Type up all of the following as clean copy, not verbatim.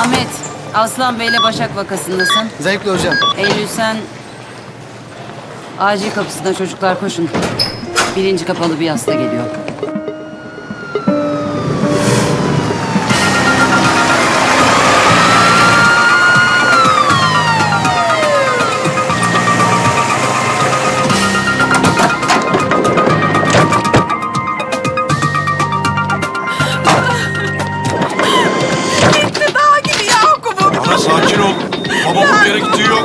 Ahmet, Aslan Bey'le Başak vakasındasın. Zevkli hocam. Eylül sen... Acil kapısına çocuklar koşun. Birinci kapalı bir hasta geliyor. Ana sakin ol. Babamın bir yere gittiği yok.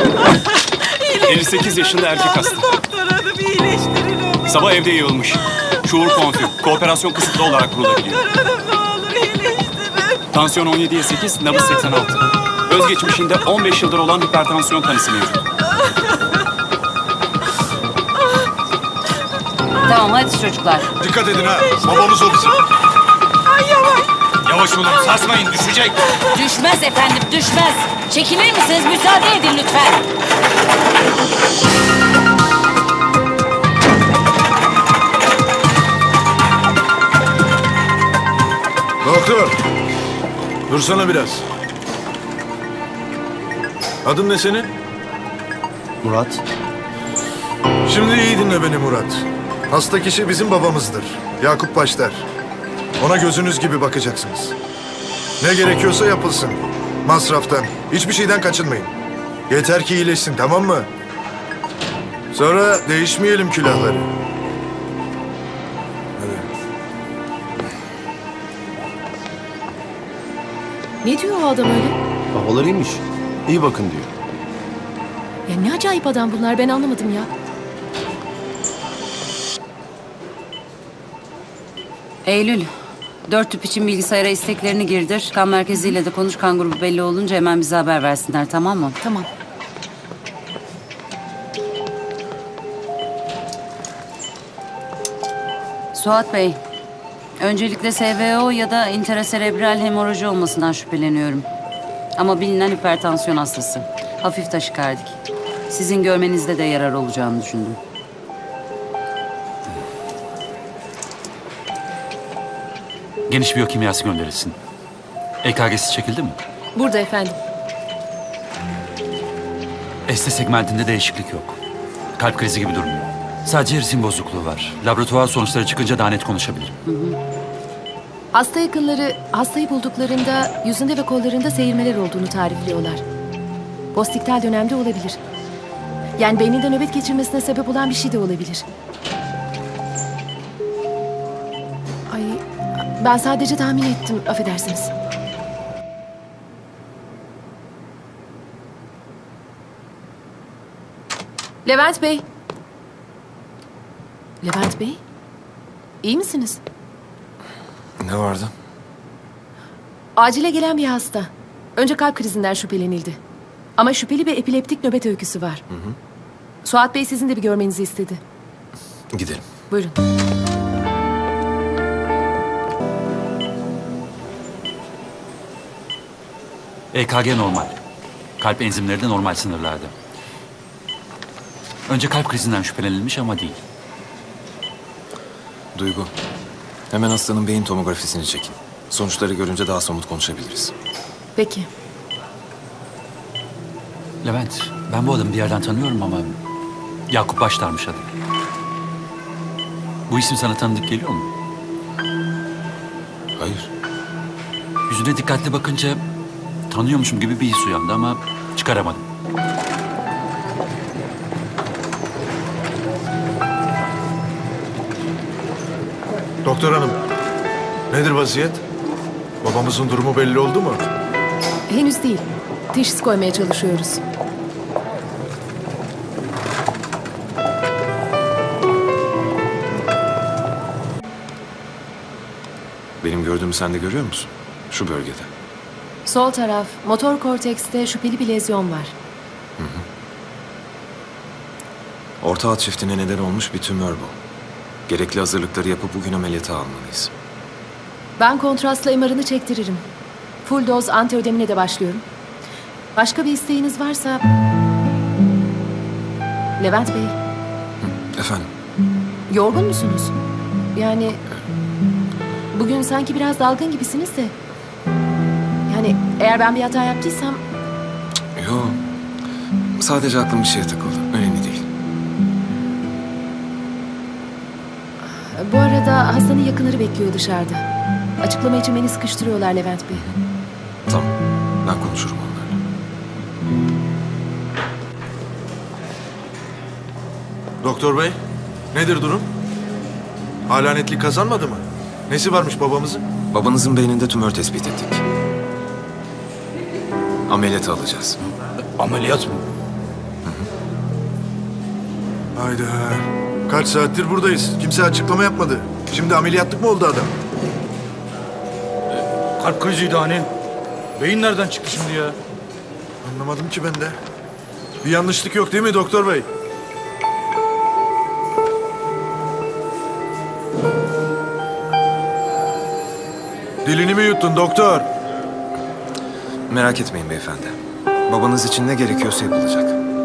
58 yaşında erkek hasta. Doktor hanım iyileştirin onu. Sabah evde yığılmış. Şuur konfü. Kooperasyon kısıtlı olarak kurulabiliyor. Doktor hanım ne olur iyileştirin. Tansiyon 17'ye 8, nabız 86. Özgeçmişinde 15 yıldır olan hipertansiyon tanısı mevcut. Tamam hadi çocuklar. Dikkat edin ha. Babamız o bizim. Ay yavaş. Yavaş olun. Sarsmayın. Düşecek. Düşmez efendim, düşmez. Çekilir misiniz? Müsaade edin lütfen. Doktor. Dursana biraz. Adın ne senin? Murat. Şimdi iyi dinle beni Murat. Hasta kişi bizim babamızdır. Yakup Başlar. Ona gözünüz gibi bakacaksınız. Ne gerekiyorsa yapılsın. Masraftan, hiçbir şeyden kaçınmayın. Yeter ki iyileşsin, tamam mı? Sonra değişmeyelim külahları. Ne diyor o adam öyle? Babalarıymış. İyi bakın diyor. Ya ne acayip adam bunlar, ben anlamadım ya. Eylül, 4 tüp için bilgisayara isteklerini girdir. Kan merkeziyle de konuş, kan grubu belli olunca hemen bize haber versinler, tamam mı? Tamam. Suat Bey, öncelikle SVO ya da intraserebral hemoroji olmasından şüpheleniyorum. Ama bilinen hipertansiyon hastası. Hafif taşikardik. Sizin görmenizde de yarar olacağını düşündüm. Geniş biyokimyası gönderilsin. EKG'si çekildi mi? Burada efendim. ST segmentinde değişiklik yok. Kalp krizi gibi durmuyor. Sadece ritim bozukluğu var. Laboratuvar sonuçları çıkınca daha net konuşabilirim. Hasta yakınları hastayı bulduklarında yüzünde ve kollarında seyirmeler olduğunu tarifliyorlar. Postiktal dönemde olabilir. Yani beyninde nöbet geçirmesine sebep olan bir şey de olabilir. Ay, ben sadece tahmin ettim, affedersiniz. Levent Bey. Levent Bey, iyi misiniz? Ne vardı? Acile gelen bir hasta. Önce kalp krizinden şüphelenildi. Ama şüpheli bir epileptik nöbet öyküsü var. Suat Bey sizin de bir görmenizi istedi. Gidelim. Buyurun. EKG normal. Kalp enzimleri de normal sınırlarda. Önce kalp krizinden şüphelenilmiş ama değil. Duygu, hemen hastanın beyin tomografisini çekin. Sonuçları görünce daha somut konuşabiliriz. Peki. Levent, ben bu adamı bir yerden tanıyorum ama... Yakup Başlar'mış adı. Bu isim sana tanıdık geliyor mu? Hayır. Yüzüne dikkatli bakınca tanıyormuşum gibi bir his uyandı ama çıkaramadım. Doktor hanım, nedir vaziyet? Babamızın durumu belli oldu mu? Henüz değil. Teşhis koymaya çalışıyoruz. Benim gördüğümü sen de görüyor musun? Şu bölgede. Sol taraf, motor kortekste şüpheli bir lezyon var. Orta alt çiftine neden olmuş bir tümör bu. Gerekli hazırlıkları yapıp bugün ameliyata almalıyız. Ben kontrastla MR'ını çektiririm. Full doz antiödemine de başlıyorum. Başka bir isteğiniz varsa... Levent Bey, Efendim? yorgun musunuz? Yani... Bugün sanki biraz dalgın gibisiniz de... Hani eğer ben bir hata yaptıysam Yo. Sadece aklım bir şeye takıldı. Önemli değil. bu arada Hasan'ın yakınları bekliyor dışarıda. Açıklama için beni sıkıştırıyorlar Levent Bey. Tamam. Ben konuşurum onlarla. Doktor bey, nedir durum? Hala netlik kazanmadı mı? Nesi varmış babamızın? Babanızın beyninde tümör tespit ettik. Ameliyata alacağız. Ameliyat mı? Hayda. Kaç saattir buradayız. Kimse açıklama yapmadı. Şimdi ameliyatlık mı oldu adam? Kalp kriziydi hani. Beyin nereden çıktı şimdi ya? Anlamadım ki ben de. Bir yanlışlık yok değil mi doktor bey? Dilini mi yuttun doktor? Merak etmeyin beyefendi. Babanız için ne gerekiyorsa yapılacak.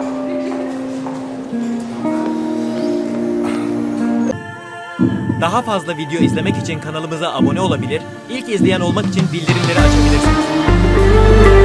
Daha fazla video izlemek için kanalımıza abone olabilir, ilk izleyen olmak için bildirimleri açabilirsiniz.